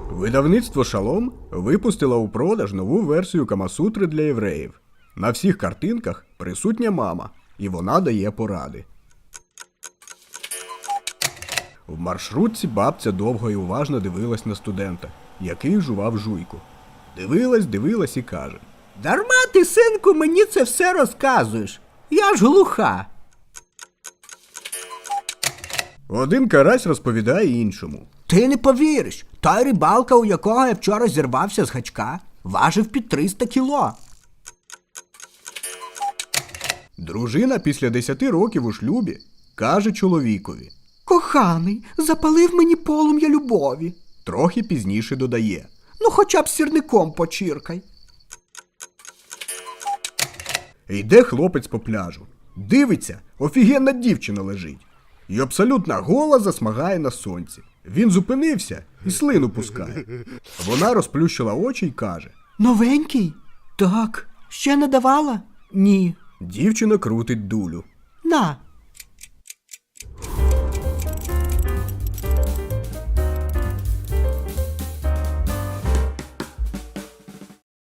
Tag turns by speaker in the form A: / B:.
A: Видавництво «Шалом» випустило у продаж нову версію Камасутри для євреїв. На всіх картинках присутня мама, і вона дає поради. В маршрутці бабця довго і уважно дивилась на студента, який жував жуйку. Дивилась і каже:
B: Дарма ти, синку, мені це все розказуєш. Я ж глуха.
A: Один карась розповідає іншому.
B: Ти не повіриш, той рибалка, у якого я вчора зірвався з гачка, важив під 300 кіло.
A: Дружина після 10 років у шлюбі каже чоловікові.
B: Коханий, запалив мені полум'я любові.
A: Трохи пізніше додає.
B: Ну хоча б сірником почіркай.
A: Йде хлопець по пляжу. Дивиться, офігенна дівчина лежить. І абсолютно гола засмагає на сонці. Він зупинився і слину пускає. Вона розплющила очі й каже.
B: Новенький? Так. Ще не давала? Ні.
A: Дівчина крутить дулю.
B: На,